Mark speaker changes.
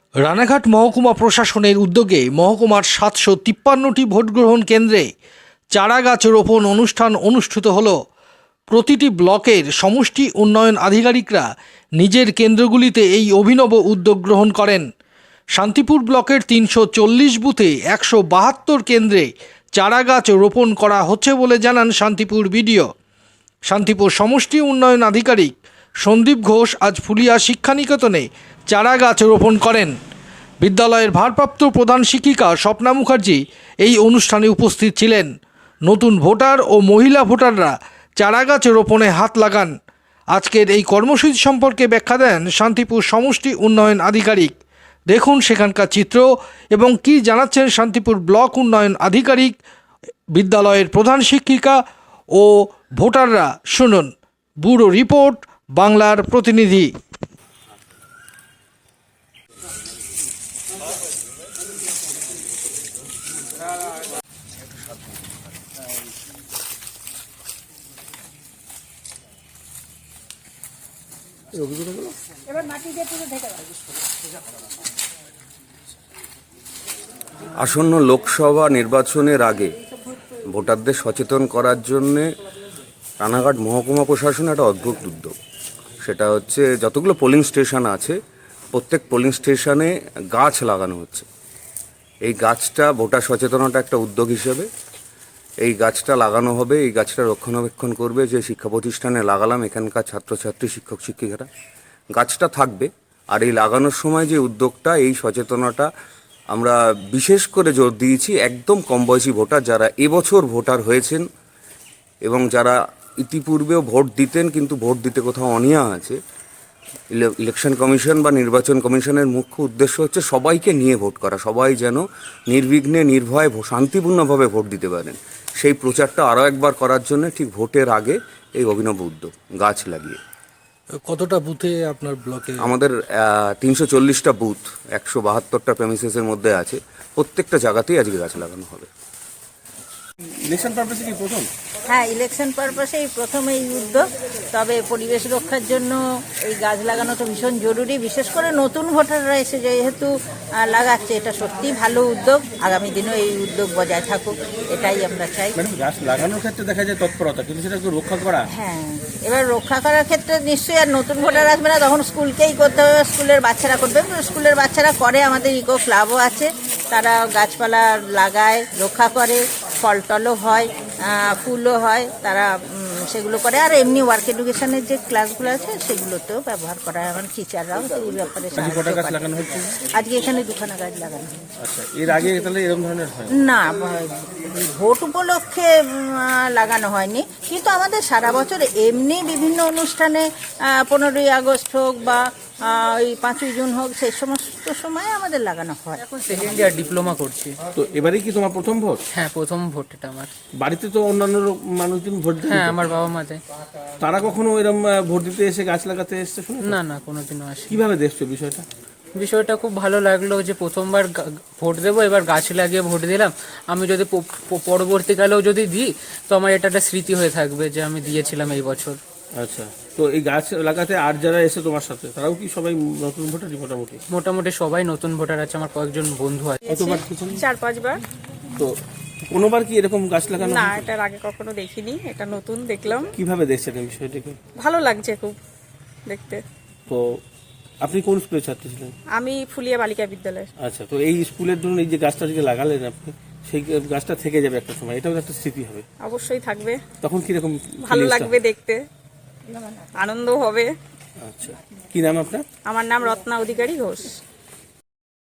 Speaker 1: রানাঘাট মহকুমা প্রশাসনের উদ্যোগে মহকুমার ৭৫৩টি ভোটগ্রহণ কেন্দ্রে চারাগাছ রোপণ অনুষ্ঠান অনুষ্ঠিত হল। প্রতিটি ব্লকের সমষ্টি উন্নয়ন আধিকারিকরা নিজের কেন্দ্রগুলিতে এই অভিনব উদ্যোগ গ্রহণ করেন। শান্তিপুর ব্লকের ৩৪০ বুথে ১৭২ কেন্দ্রে চারাগাছ রোপণ করা হচ্ছে বলে জানান শান্তিপুর বিডিও। শান্তিপুর সমষ্টি উন্নয়ন আধিকারিক সন্দীপ ঘোষ আজ ফুলিয়া শিক্ষানিকেতনে চারাগাছ রোপণ করেন। বিদ্যালয়ের ভারপ্রাপ্ত প্রধান শিক্ষিকা স্বপ্না মুখার্জি এই অনুষ্ঠানে উপস্থিত ছিলেন। নতুন ভোটার ও মহিলা ভোটাররা চারাগাছ রোপণে হাত লাগান। আজকের এই কর্মসূচি সম্পর্কে ব্যাখ্যা দেন শান্তিপুর সমষ্টি উন্নয়ন আধিকারিক। দেখুন সেখানকার চিত্র এবং কি জানাচ্ছেন শান্তিপুর ব্লক উন্নয়ন আধিকারিক, বিদ্যালয়ের প্রধান শিক্ষিকা ও ভোটাররা। শুনুন ব্যুরো রিপোর্ট, বাংলার প্রতিনিধি।
Speaker 2: আসন্ন লোকসভা নির্বাচনের আগে ভোটারদের সচেতন করার জন্যে রানাঘাট মহকুমা প্রশাসন একটা অদ্ভুত উদ্যোগ। সেটা হচ্ছে যতগুলো পোলিং স্টেশন আছে প্রত্যেক পোলিং স্টেশনে গাছ লাগানো হচ্ছে। এই গাছটা ভোটার সচেতনতা একটা উদ্যোগ হিসেবে এই গাছটা লাগানো হবে। এই গাছটা রক্ষণাবেক্ষণ করবে যে শিক্ষা প্রতিষ্ঠানে লাগালাম এখানকার ছাত্রছাত্রী, শিক্ষক শিক্ষিকারা। গাছটা থাকবে, আর এই লাগানোর সময় যে উদ্যোগটা, এই সচেতনতা আমরা বিশেষ করে জোর দিয়েছি একদম কম বয়সী ভোটার যারা এবছর ভোটার হয়েছেন এবং যারা ইতিপূর্বেও ভোট দিতেন কিন্তু ভোট দিতে কোথাও অনীহা আছে। ইলেকশন কমিশন বা নির্বাচন কমিশনের মুখ্য উদ্দেশ্য হচ্ছে সবাইকে নিয়ে ভোট করা, সবাই যেন নির্বিঘ্নে নির্ভয়ে শান্তিপূর্ণভাবে ভোট দিতে পারেন। সেই প্রচারটা আরও একবার করার জন্য ঠিক ভোটের আগে এই অভিনব উদ্যোগ গাছ লাগিয়ে।
Speaker 1: কতটা বুথে আপনার ব্লকে?
Speaker 2: আমাদের ৩৪০টা বুথ ১৭২টা প্রেমিসেসের মধ্যে আছে। প্রত্যেকটা জায়গাতেই আজকে গাছ লাগানো হবে।
Speaker 3: ইলেকশন পারপাসে কি প্রথম?
Speaker 4: হ্যাঁ, ইলেকশন পারপাসেই প্রথম এই উদ্যোগ। তবে পরিবেশ রক্ষার জন্য এই গাছ লাগানোটা ভীষণ জরুরি, বিশেষ করে নতুন ভোটাররা এসে যেহেতু লাগাচ্ছে, এটা সত্যিই ভালো উদ্যোগ। আগামী দিনেও এই উদ্যোগ বজায় থাকুক, এটাই আমরা চাই।
Speaker 3: গাছ লাগানোর ক্ষেত্রে দেখা যায় তৎপরতা, কিন্তু সেটা একটু রক্ষা করা।
Speaker 4: হ্যাঁ, এবার রক্ষা করার ক্ষেত্রে নিশ্চয়ই আর নতুন ভোটার আসবে না, তখন স্কুলকেই করতে হবে, স্কুলের বাচ্চারা করবে। স্কুলের বাচ্চারা করে, আমাদের ইকো ক্লাবও আছে, তারা গাছপালা লাগায়, রক্ষা করে, ফল টলও হয়, ফুলও হয়, তারা সেগুলো করে। আর এমনি ওয়ার্ক এডুকেশনের যে ক্লাসগুলো আছে সেগুলোতেও ব্যবহার করা হয়। আমার টিচাররাও এই ব্যাপারে আজকে এখানে 2খানা গাছ লাগানো হয়েছে।
Speaker 3: আচ্ছা, এর আগে তাহলে এরকম ধরনের হয়
Speaker 4: না, ভোট উপলক্ষে লাগানো হয়নি, কিন্তু আমাদের সারা বছর এমনি বিভিন্ন অনুষ্ঠানে 15ই আগস্ট হোক বা ওই 5ই জুন হোক, সেই সমস্ত সময় আমাদের লাগানো হয়।
Speaker 5: এখন সেকেন্ড ইয়ার ডিপ্লোমা করছি।
Speaker 3: তো এবারে কি তোমার প্রথম ভোট?
Speaker 5: হ্যাঁ, প্রথম ভোট এটা আমার।
Speaker 3: বাড়িতে তো অন্যান্য মানুষজন ভোট দিতে?
Speaker 5: হ্যাঁ, আমার বাবা মা দেয়।
Speaker 3: তারা কখনো এরকম ভোট দিতে এসে গাছ লাগাতে এসছে?
Speaker 5: না না, কোনোদিনও আসে।
Speaker 3: কিভাবে দেখছো বিষয়টা?
Speaker 5: বিষয়টা খুব ভালো লাগলো যে প্রথমবার ভোট দেবো, এবার গাছ লাগিয়ে ভোট দিলাম। আমি যদি পরবর্তীকালেও যদি দিই তো আমার এটা একটা স্মৃতি হয়ে থাকবে যে আমি দিয়েছিলাম এই বছর।
Speaker 3: আচ্ছা, তো এই গাছ লাগাতে আর যারা এসে তোমার সাথে, তারাও কি সবাই নতুন ভোটার?
Speaker 5: মোটামুটি সবাই নতুন ভোটার আছে, আমার কয়েকজন বন্ধু আছে।
Speaker 3: কতবার?
Speaker 6: 4-5 বার।
Speaker 3: তো কোনোবার কি এরকম গাছ লাগানো?
Speaker 6: না, এটার আগে কখনো দেখিনি, এটা নতুন দেখলাম।
Speaker 3: কিভাবে দেখছেন এই বিষয়টাকে?
Speaker 6: ভালো লাগছে খুব দেখতে।
Speaker 3: তো আপনি কোন স্কুলের ছাত্র ছিলেন?
Speaker 6: আমি ফুলিয়া বালিকা বিদ্যালয়।
Speaker 3: আচ্ছা, তো এই স্কুলের জন্য এই যে গাছটা যে লাগালেন আপনি, সেই গাছটা থেকে যাবে একটা সময়, এটাও একটা স্মৃতি হবে।
Speaker 6: অবশ্যই থাকবে।
Speaker 3: তখন কিরকম
Speaker 6: ভালো লাগবে দেখতে, আনন্দ হবে।
Speaker 3: আচ্ছা, কি নাম আপনার?
Speaker 6: আমার নাম রত্না অধিকারী ঘোষ।